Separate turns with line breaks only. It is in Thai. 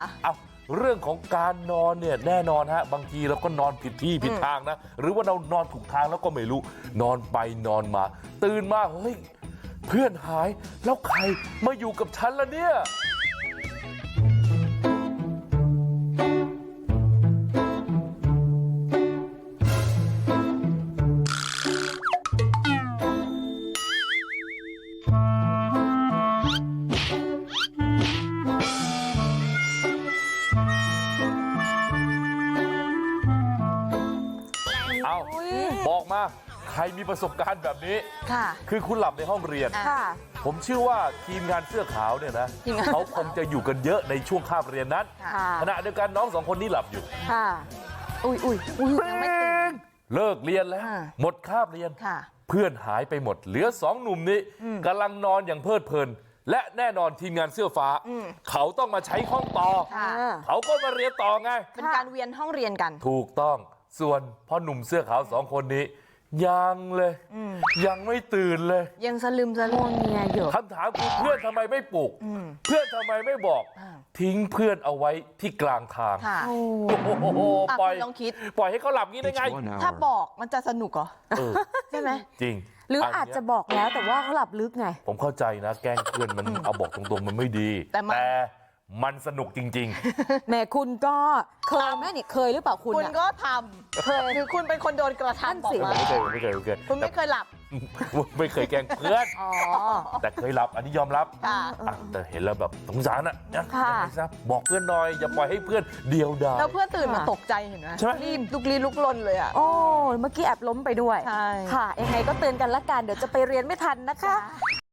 เอาเรื่องของการนอนเนี่ยแน่นอนฮะบางทีเราก็นอนผิดที่ผิดทางนะหรือว่าเรานอนถูกทางแล้วก็ไม่รู้นอนไปนอนมาตื่นมาเฮ้ยเพื่อนหายแล้วใครมาอยู่กับฉันล่ะเนี่ยเอาบอกมาใครมีประสบการณ์แบบนี้
ค่ะ
คือคุณหลับในห้องเรียนผมเชื่อว่าทีมงานเสื้อขาวเนี่ยนะเขาคงจะอยู่กันเยอะในช่วงคาบเรียนนั้นขณะเดียวกันน้องสองคนนี้หลับอยู่
อุ้ยยังไม่ตื่น
เลิกเรียนแล้วหมดคาบเรียนเพื่อนหายไปหมดเหลือสองหนุ่มนี้กำลังนอนอย่างเพลิดเพลินและแน่นอนทีมงานเสื้อฟ้าเขาต้องมาใช้ห้องต่อเขาก็มาเรียนต่อไง
เป็นการเวียนห้องเรียนกัน
ถูกต้องส่วนพ่อหนุ่มเสื้อขาวสองคนนี้ยังเลยยังไม่ตื่นเลย
ยังสลึมสลือเงียอยู่
คำถามคือเพื่อนทำไมไม่ปลุกเพื่อนทำไมไม่บอกทิ้งเพื่อนเอาไว้ที่กลางทาง
โอ้
โหปล่อย
ลองคิด
ปล่อยให้เขาหลับงี้ได้ไง
ถ้าบอกมันจะสนุกเหรอใช่ไหม
จริง
หรืออาจจะบอกแล้วแต่ว่าเขาหลับลึกไง
ผมเข้าใจนะแกล้งเพื่อนมันเอาบอกตรงๆมันไม่ดีแต่มันสนุกจริง
ๆแม่คุณก็เคยไหมเนี่ยเคยหรือเปล่า
คุณก็ทำเคยคือคุณเป็นคนโดนกระทำบอกมา
ไม่เคย
คุณไม่เคยหลับ
ไม่เคยแกล้งเพื่อนแต่เคยหลับอันนี้ยอมรับแต่เห็นแล้วแบบสงสารอ่ะบอกเพื่อนหน่อยอย่าปล่อยให้เพื่อนเดียวดาย
แล้วเพื่อนตื่นมาตกใจเห็นไหมรีบลุกลนเลยอ่ะ
โอ้เมื่อกี้แอบล้มไปด้วย
ใช่
ค่ะยังไงก็เตือนกันละกันเดี๋ยวจะไปเรียนไม่ทันนะคะ